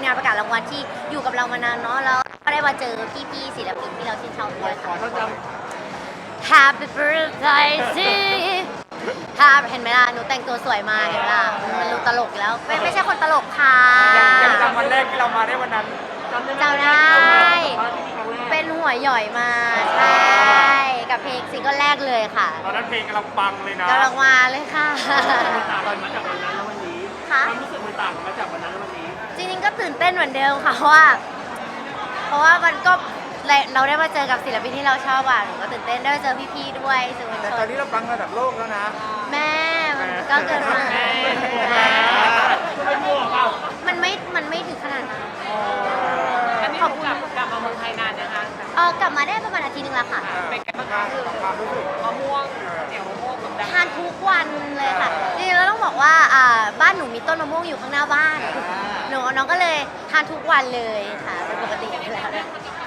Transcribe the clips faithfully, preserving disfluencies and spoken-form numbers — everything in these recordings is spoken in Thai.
งานประกาศรางวัลที่อยู่กับเรามานานเนาะแล้วก็ได้มาเจอพี่ๆศิลปินที่เราชื่นชอบด้วยค่ะ Happy birthday to you ถ้าเห็นไหมล่ะหนูแต่งตัวสวยมาเห็นไหมล่ะมันดูตลกแล้วไม่ไม่ใช่คนตลกค่ะยังจำวันแรกที่เรามาได้วันนั้นจำได้เป็นหัวหย่อยมาใช่กับเพลงซิงเกิลแรกเลยค่ะตอนนั้นเพลงกำลังปังเลยนะกำลังมาเลยค่ะต่างกันมาจากวันนั้นแล้ววันนี้ค่ะความรู้สึกมันต่างกันมาจากวันนั้นแล้ววันนี้จริงๆก็ตื่นเต้นเหมือนเดิมค่ะเพราะว่าเพราะว่ามันก็เราได้มาเจอกับศิลปินที่เราชอบอ่ะหนูก็ตื่นเต้นได้มาเจอพี่ๆด้วยสื่อมวลแต่ชตอนนนี้เราปังระดับโลกแล้วนะแม่มันก็เกินมาแม่แม่ไม่มั่วเปล่ามันไม่มันไม่ถึงขนาดนั้นอันนี้กลับกลับมาเมืองไทยนานนะคะเออกลับมาได้ประมาณอาทิตย์นึงแล้วค่ะเป็นไงบ้างคะคือความรู้สึกมะม่วงเหนียวมะม่วงกับดังทานทุกวันเลยค่ะจริงๆแล้วต้องบอกว่าอ่าบ้านหนูมีต้นมะม่วงอยู่ข้างหน้าบ้านหนูน้องก็เลยทานทุกวันเลยค่ะเป็นปกติอยู่แล้ว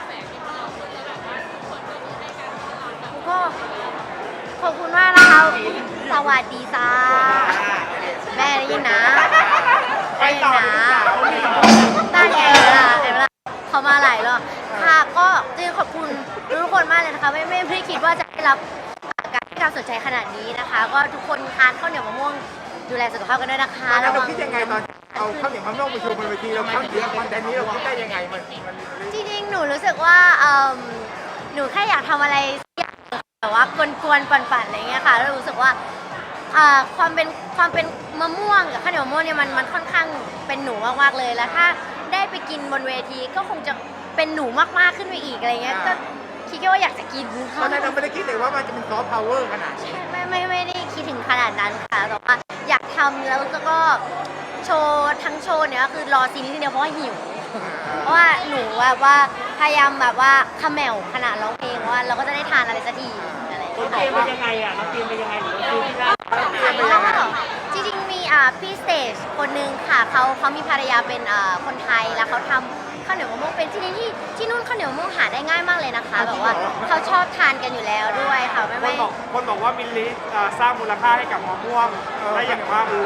ก็ขอบคุณมากนะคะสวัสดีจ้าแม่ได้ยินนะได้ยินนะได้ไงล่ะเห็นไหมล่ะเขามาหลายรอบค่ะก็จริงขอบคุณทุกคนมากเลยนะคะไม่ไม่ไม่คิดว่าจะได้รับการให้การสนใจขนาดนี้นะคะ ก็ทุกคนทานข้าวเหนียวมะม่วงดูแลสุขภาพกันด้วยนะคะตอนนั้นเราคิดยังไงตอนเอาข้าวเหนียวมะม่วงไปโชว์บนเวทีเราข้าวเหนียวคอนเทนต์นี้เราคิดได้ยังไงมันมันจริงๆหนูรู้สึกว่าเอิ่มหนูแค่อยากทำอะไรสักอย่างแบบว่ากวนๆปั่นๆอะไรเงี้ยค่ะแล้วรู้สึกว่าอ่าความเป็นความเป็นมะม่วงกับข้าวเหนียวมะม่วงเนี่ยมันมันค่อนข้างเป็นหนูมากๆเลยแล้วถ้าได้ไปกินบนเวทีก็คงจะเป็นหนูมากๆขึ้นไปอีกอะไรเงี้ยก็คิดแค่ว่าอยากจะกินตอนนั้นเราไม่ได้คิดเลยว่ามันจะเป็นซอฟต์พาวเวอร์ขนาดนี้ไม่ไม่ไม่ได้คิดถึงขนาดนั้นค่ะแต่ว่าอยากทำแล้วก็โชว์ทั้งโชว์เนี่ยก็คือรอซีรีส์เดียวเพราะว่าหิว เพราะว่าหนูแบบว่าพยายามแบบว่าขมแมวขนาดร้องเพลงว่าเราก็จะได้ทานอะไรสักทีอะไรอย่างเราเงี้ยเตรียมไปยังไงอ่ะเราเตรียมไปยังไงหรือเราซื้อที่ร้านจริงๆมีอ่าพี่สเตจคนหนึ่งค่ะเขาเขามีภรรยาเป็นอ่าคนไทยแล้วเขาทำข้าวเหนียวมะม่วงเป็นที่นี่ที่ที่นู่นข้าวเหนียวมะม่วงหาได้ง่ายมากเลยนะคะแบบว่าเขาชอบทานกันอยู่แล้วด้วยค่ะไม่คนไม่บอกคนบอกว่ามิลลิเอ่อสร้างมูลค่าให้กับมะม่วงได้อย่างมากเลย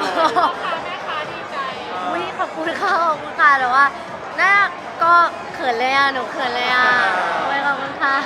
อุ้ยขอบคุณค่ะขอบคุณค่ะแต่ว่าน่าก็เขินเลยอ่ะหนูเขินเลยอ่ะโอ้ยขอบคุณค่ะ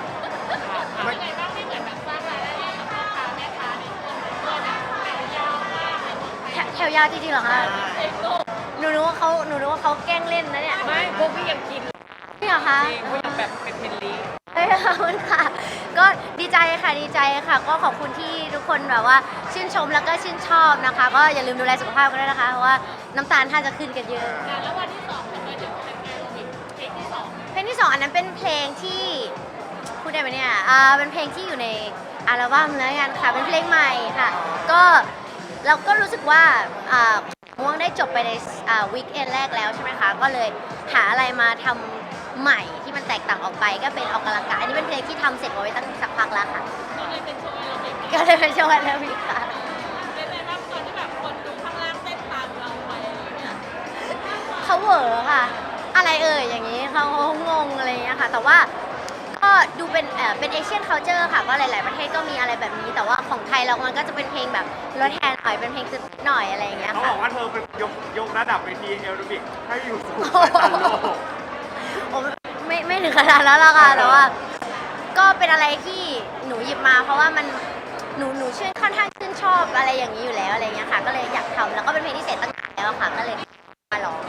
แถแถวยาวจริงๆเหรอคะหนูนึกว่าเขาหนูนึกว่าเขาแกล้งเล่นนะเนี่ยไม่พวกพี่ยังกินนี่เหรอคะจริงพวกยังแบบเป็นเพนลีเฮ้ยขอบคุณค่ะ ก็ดีใจค่ะดีใจค่ะ ก็ขอบคุณที่ทุกคนแบบว่าชื่นชมแล้วก็ชื่นชอบนะคะ ก็อย่าลืมดูแลสุขภาพกันด้วยนะคะ เพราะว่าน้ำตาลท่านจะขึ้นกันเยอะแล้ววันที่สองเป็นเพลงที่สองเพลงที่สองอันนั้นเป็นเพลงที่พูดได้ไหมเนี่ยอ่าเป็นเพลงที่อยู่ในอัลบั้มแล้วกันค่ะเป็นเพลงใหม่ค่ะ ก็เราก็รู้สึกว่าอ่าม่วงได้จบไปในอ่าวีคเอนแรกแล้วใช่ไหมคะก็เลยหาอะไรมาทำใหม่ที่มันแตกต่างออกไปก็เป็นออกกำลังกายอันนี้เป็นเพลงที่ทำเสร็จเอาไว้ตั้งสักพักแล้วค่ะก็เลยเป็นโชว์แอโรบิกก็เลยเป็นโชว์แอโรบิกค่ะเป็นไงบ้างตอนที่แบบคนดูข้างล่างเต้นตามเราไปเขาเหวอค่ะ อะไรเอ่ยอย่างนี้เขางงอะไรอย่างเงี้ยค่ะ แต่ว่าก็ดูเป็นเอ่อเป็นเอเชียนคัลเจอร์ค่ะก็หลาย ๆประเทศก็มีอะไรแบบนี้ แต่ว่าของไทยเรามันก็จะเป็นเพลงแบบรถแฮนด์หน่อยเป็นเพลงตึ๊ดหน่อยอะไรอย่างเงี้ยเขาบค่ะอกว่าเธอเป็นยกยกระดับเวทีเอโรบิกให้อยู่สู่สายตาโลกโอ้ไม่ไม่ถึงขนาดนั้นหรอกค่ะแต่ว่าก็เป็นอะไรที่หนูหยิบมา เพราะว่ามันหนูหนูชื่นค่อนข้างชื่นชอบอะไรอย่างนี้อยู่แล้วอะไรเงี้ยค่ะก็เลยอยากทำแล้วก็เป็นเพลงที่เสร็จตั้งนานแล้วค่ะก็เลยมาร้อง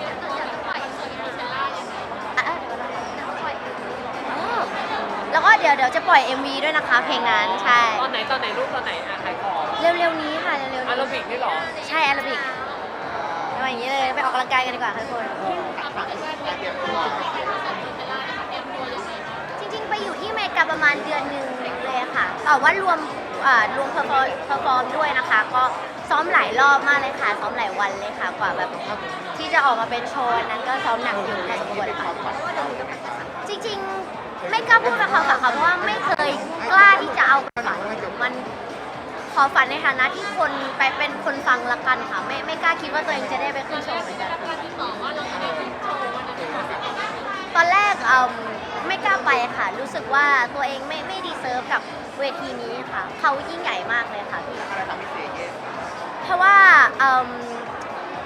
อ่ะอ๋อแล้วก็เดี๋ยวเดี๋ยวจะปล่อย เอ็ม วี ด้วยนะคะ เพลงนั้นใช่ตอนไหนตอนไหนรูปตอนไหนอ่ะใครขอเร็วๆนี้ค่ะเร็วๆอานี้ราบิกนี่หรอใช่แอโรบิกเอาอย่างนี้เลยไปออกกำลังกายกันดีกว่าค่ะทุกคนจริงๆไปอยู่ที่อเมริกาประมาณเดือนหนึ่งเลยค่ะแต่ว่ารวมอ่ารวมเพอร์ฟอร์เพอร์ฟอร์มด้วยนะคะ ก็ซ้อมหลายรอบมากเลยค่ะซ้อมหลายวันเลยค่ะกว่าแบบที่จะออกมาเป็นโชว์นั้นก็ซ้อมหนักอยู่พอสมควรค่ะจริงๆไม่กล้าพูดกับเขาค่ะเพราะว่าไม่เคยกล้าที่จะเอาไปฝันมันขอฝันในฐานะที่คนไปเป็นคนฟังละกันค่ะไม่ไม่กล้าคิดว่าตัวเองจะได้ไปขึ้นโชว์เหมือนกันตอนแรกเอ่อไม่กล้าไปค่ะรู้สึกว่าตัวเองไม่ไม่ดีเซิร์ฟกับเวทีนี้ค่ะเขายิ่งใหญ่มากเลยค่ะพี่เพราะว่าเอ่อ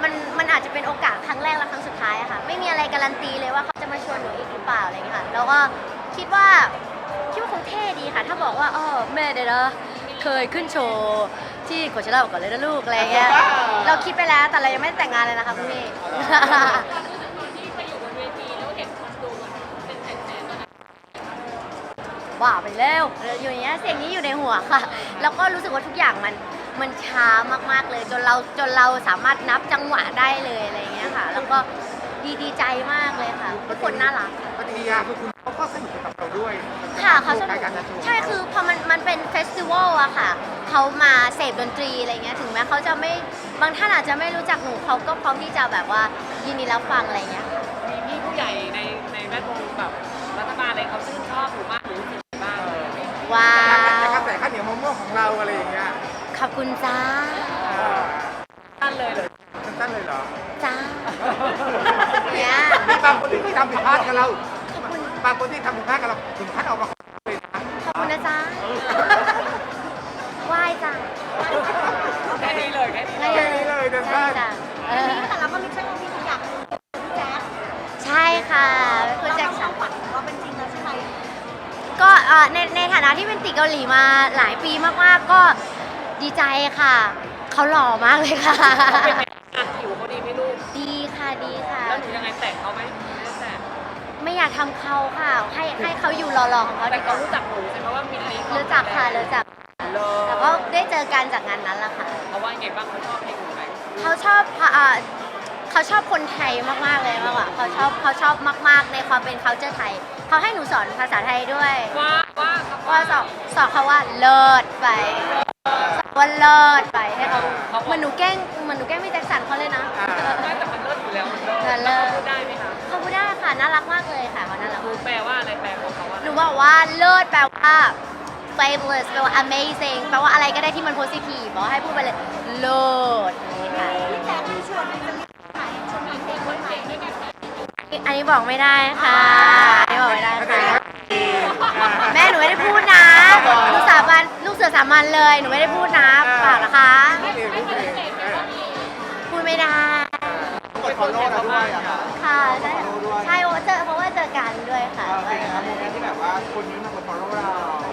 มันมันอาจจะเป็นโอกาสครั้งแรกและครั้งสุดท้ายอะค่ะไม่มีอะไรการันตีเลยว่าเขาจะมาชวนหนูอีกหรือเปล่าอะไรอย่างเงี้ยค่ะแล้วก็คิดว่าคิดว่าคงเท่ดีค่ะ ถ้าบอกว่าอ๋อแม่เดี๋ยวนะเคยขึ้นโชว์ที่โคเชล่าก่อนเลยนะลูกอะไรอย่างเงี้ยเราคิดไปแล้วแต่เรายังไม่ได้แต่งงานเลยนะคะคุณพี่ที่ไปอยู่บนเวทีแล้วเห็นคนดูเป็นแสนๆตอนนั้นว่าไปแล้วอยู่อย่างเงี้ยเสียงนี้อยู่ในหัวค่ะ แล้วก็รู้สึกว่าทุกอย่างมันมันช้ามากๆเลย จนเราจนเราสามารถนับจังหวะได้เลยอะไรอย่างเงี้ยค่ะ แล้วก็ดีดีใจมากเลยค่ะทุกคนน่ารักปฏิกิริยาคือคุณเขาก็สนุกกับเราด้วยค่ะเขาสนุกการจะโชว์ใช่คือพอมันมันเป็นเฟสติวัลอะค่ะเขามาเสพดนตรีอะไรเงี้ยถึงแม้เขาจะไม่บางท่านอาจจะไม่รู้จักหนูเขาก็พร้อมที่จะแบบว่ายินดีรับฟังอะไรเงี้ยมีพี่ผู้ใหญ่ในในแวดวงแบบรัฐบาลอะไรเขาชื่นชอบหนูมากหรือรู้สึกบ้างว้าแต่กวระแสข้าวเหนียวมะม่วงของเราอะไรอย่างเงี้ยขอบคุณจ้าท่านเลยเลยสั้นๆเลยเหรอจ้าเนี่ยมีบางคนที่เคยทำผิดพลาดกับเราขอบคุณบางคนที่ทำผิดพลาดกับเราถึงขั้นออกมาขอโทษเลยนะขอบคุณนะจ๊ะไหว้จ้ะแค่นี้เลยแค่นี้ใช่แค่นี้เลยนะใช่ท่านจ้ะเออแต่เราก็ไม่ใช่ว่าพี่อยากแจ๊คใช่ค่ะคุณเราแจ็คทำความฝันของเราเป็นจริงแล้วใช่ไหมก็เอ่อในในฐานะที่เป็นติเกาหลีมาหลายปีมากๆ ก็ดีใจค่ะ เขาหล่อมากเลยค่ะเป็นไงอ่ะผิวเขาดีไหม่ลูกดีค่ะดีค่ะแล้วหนูยังไงแต่งเขาไหมไม่ได้แต่งไม่อยากทำเขาค่ะ ให้ให้เขาอยู่หล่อๆของเขาแต่ดีกเขาว่ารู้จักหนูใช่ไหมว่ามีอะไรรู้จักค่ะรู้จักเลแต่ก็ได้เจอกันจากงานนั้นแหละค่ะเขาว่าไงบ้างเขาชอบเพลงหนูไหมเขาชอบเอ่อเขาชอบคนไทยมากๆเลยมากกว่าเขาชอบเขาชอบมากๆในความเป็น culture ไทย เขาให้หนูสอนภาษาไทยด้วยว่าว่าเขาว่าสอนสอนเขาว่าเลิศไปสอนว่าเลิศไปให้เขาเหมือนหนูแกล้งเหมือนหนูแกล้งพี่แจ็คสันเขาเลยนะไม่แต่มันเลิศอยู่แล้วมันเลิศแต่เลิศพูดได้ไหมคะเขาพูดได้ค่ะน่ารักมากเลยค่ะเขาน่ารักหนูมากแปลว่าอะไรแปลของเขาว่าหนูบอกว่าเลิศแปลว่า fabulous แปลว่า amazing แปลว่าอะไรก็ได้ที่มัน positive บอกให้พูดไปเลยเลิศนี่ค่ะพี่แจ๊คมีชวนไปจะมีขายชวนมีเพลงวันไหนด้วยกันไหมอันนี้บอกไม่ได้ค่ะอันนี้บอกไม่ได้แสดค่ะงว่าแม่หนูไม่ได้พูดนะลูกสาบานลูกเสือสามัญเลย หนูไม่ได้พูดนะเปล่านะคะพูดเองพูดเองเออพูดไม่ได้กด follow เราด้วยอะค่ะค่ะใช่ใช่เพราะว่าเจอเพราะว่าเจอกันด้วยค่ะเป็นไงครับโมเมนต์ที่แบบว่าคนนี้มากด follow เรา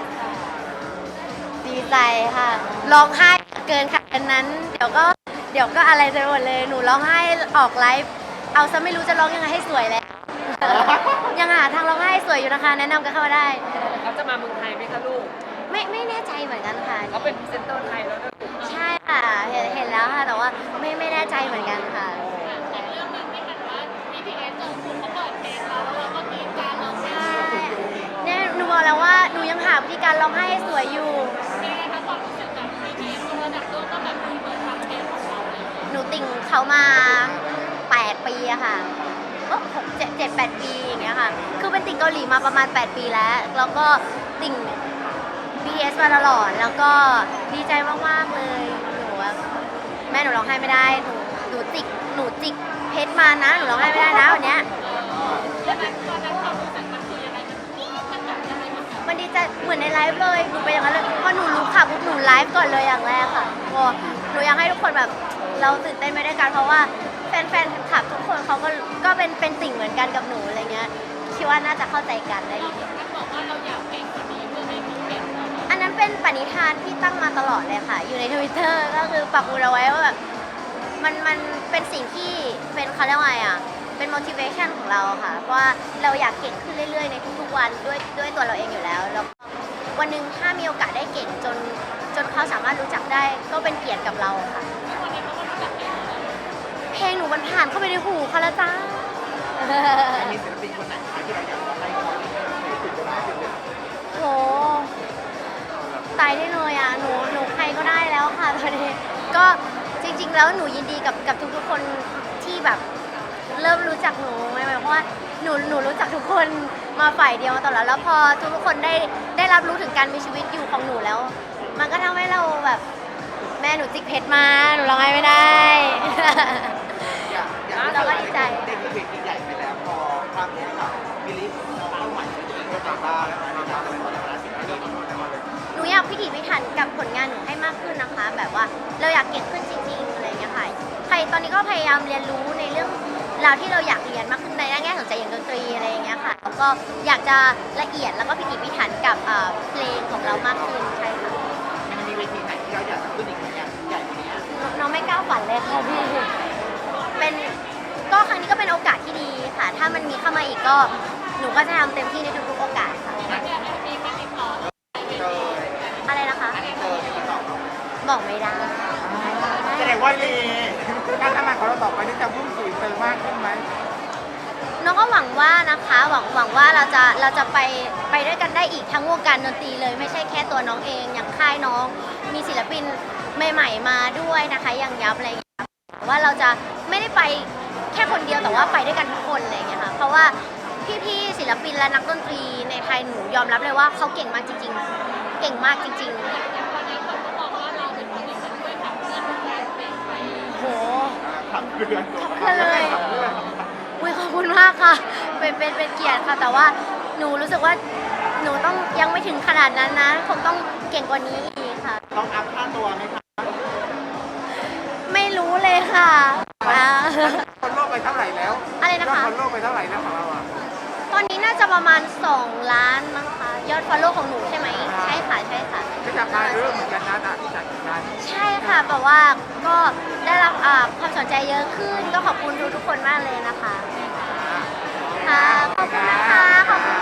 ดีใจค่ะร้องไห้เกินค่ะอันนั้น เดี๋ยวก็เดี๋ยวก็อะไรจะหมดเลยหนูร้องไห้ออกไลฟ์เอาซะไม่รู้จะร้องยังไงให้สวยแล้ว ยังหาทางร้องไห้สวยอยู่นะคะ แนะนำกันเข้ามาได้เขาจะมาเมืองไทยไหมคะลูกไม่ไม่แน่ใจเหมือนกันค่ะเขาเป็นพรีเซนเตอร์ไทยแล้วนะลูกใช่ค่ะเห็นเห็นแล้วค่ะแต่ว่าไม่ไม่แน่ใจเหมือนกันค่ะแต่เรื่องนึงไม่ทันว่า บี ที เอส เจอคุณเขาเปิดเพลงเราแล้วเราก็กรี๊ดกรารเราใช่ใช่เนี่ยหนูบอกแล้วว่าหนูยังหาวิธีการร้องไห้ให้สวยอยู่ไหมคะความรู้สึกแบบ บี ที เอส ระดับโลกก็แบบมีเปิดฟังเพลงของเราเลยหนูติ่งเขามาแปดปีอะค่ะก็หกเจ็ดเจ็ดแปดปีอย่างเงี้ยค่ะ คือเป็นติ่งเกาหลีมาประมาณแปดปีแล้ว แล้วก็ติ่ง บี ที เอส มาตลอด แล้วก็ดีใจมากๆเลย หนูว่าแม่หนูร้องไห้ไม่ได้ หนูหนูจิก หนูจิกเพชรมานะ หนูร้องไห้ไม่ได้นะวันเนี้ยแล้วนั้นตอนนั้นความรู้สึกมันคือยังไงมันนี่มันแบบยังไงมันแบบมันดีใจเหมือนในไลฟ์เลย หนูเป็นอย่างนั้นเลยพอหนูรู้ข่าวปุ๊บหนูไลฟ์ก่อนเลยอย่างแรกค่ะโอ้หนูอยากให้ทุกคนแบบเราตื่นเต้นไปด้วยกันเพราะว่าแฟนๆคลับทุกคนเขาก็ก็เป็นเป็นสิ่งเหมือนกันกับหนูอะไรเงี้ย คิดว่าน่าจะเข้าใจกันได้ดีมันบอกว่าเราอยากเก่งกว่านี้เพื่อให้มีเปลี่ยนเราอันนั้นเป็นปณิธานที่ตั้งมาตลอดเลยค่ะ อยู่ในทวิตเตอร์ก็คือปักหมุดเอาไว้ว่าแบบมันมันเป็นสิ่งที่เป็นเขาเรียกว่าไงอ่ะ เป็น motivation ของเราอะค่ะ เพราะว่าเราอยากเก่งขึ้นเรื่อยๆ ในทุกๆวันด้วยด้วยตัวเราเองอยู่แล้ว แล้วก็วันหนึ่งถ้ามีโอกาสได้เก่งจนจนเขาสามารถรู้จักได้ก็เป็นเกียรติกับเราค่ะวันนี้เขาก็รู้จักเพลงเราเพลงหนูมันผ่านเข้าไปในหูเขาแล้วจ้ามีศิลปินคนไหนที่เราอยากให้เขาติดตัวได้ติดเลยโหตายได้เลยอ่ะ หนู หนูใครก็ได้แล้วค่ะตอนนี้ ก็จริงๆ แล้วหนูยินดีกับกับทุกๆ คนที่แบบเริ่มรู้จักหนูไหมเพราะว่าหนู หนูรู้จักทุกคนมาฝ่ายเดียวมาตลอดแล้วพอทุกๆ คนได้ได้รับรู้ถึงการมีชีวิตอยู่ของหนูแล้ว มันก็ทำให้เราแบบแม่หนูจิกเพชรมา หนูร้องไห้ไม่ได้อยากอยากเราก็ดีใจได้ขึ้นเวทีใหญ่ไปแล้วพอครั้งนี้ค่ะมิลลิเป้าหมายตัวเองก็จะบ้าแล้วนะครับอะไรต่างๆสิ่งที่เราต้องทำเลยหนูอยากพิถีพิถันกับผลงานหนูให้มากขึ้นนะคะ แบบว่าเราอยากเก่งขึ้นจริงๆอะไรอย่างเงี้ยค่ะใครตอนนี้ก็พยายามเรียนรู้ในเรื่องราวที่เราอยากเรียนมากขึ้นในแง่สนใจอย่างดนตรีอะไรอย่างเงี้ยค่ะแล้วก็อยากจะละเอียดแล้วก็พิถีพิถันกับเอ่อเพลงของเรามากขึ้นใช่ค่ะมันมีเวทีไหนที่เราอยากจะขึ้นอีกไหมเนี่ยใหญ่กว่านี้น้องไม่กล้าฝันเลยค่ะพี่เป็นก็ครั้งนี้ก็เป็นโอกาสที่ดีค่ะ ถ้ามันมีเข้ามาอีกก็หนูก็จะทำเต็มที่ในทุกๆโอกาสค่ะเจออะไรนะคะเจอที่ตอบบอกไม่ได้แสดงว่าลีการทำงานของเราต่อไปนี่จะพุ่งสู่อินเตอร์มากขึ้นไหมน้องก็หวังว่านะคะหวังหวังว่าเราจะเราจะไปไปด้วยกันได้อีกทั้งวงการดนตรีเลย ไม่ใช่แค่ตัวน้องเองอย่างค่ายน้องมีศิลปินใหม่ๆมาด้วยนะคะอย่างยับอะไรอย่างเงี้ยว่าเราจะไม่ได้ไปแค่คนเดียวแต่ว่าไปด้วยกันทุกคนอะไรอย่างเงี้ยค่ะเพราะว่าพี่ๆศิลปินและนักดนตรีในไทยหนูยอมรับเลยว่าเขาเก่งมากจริง ๆ เก่งมากจริงๆโหขับเรือขับเรือเลยขับเรืออุ้ยขอบคุณมากค่ะ เป็นเป็นเป็นเกียรติค่ะ แต่ว่าหนูรู้สึกว่าหนูต้องยังไม่ถึงขนาดนั้นนะ คงต้องเก่งกว่านี้อีกค่ะต้องอัพค่าตัวไหมคะไม่รู้เลยค่ะอ่าคนโลกไปเท่าไหร่แล้วอะไรนะคะคนโลกไปเท่าไหร่แล้วของเราอ่ะตอนนี้น่าจะประมาณสองล้านมั้งคะ ยอดฟอลโล่ของหนูใช่ไหม ใช่ค่ะ ใช่ค่ะก็จากการเรื่องเหมือนกันนะอ่ะจากการใช่ค่ะแบบว่าก็ได้รับอ่าความสนใจเยอะขึ้น ก็ขอบคุณทุกๆคนมากเลยนะคะ ค่ะ ขอบคุณนะคะ ขอบคุณ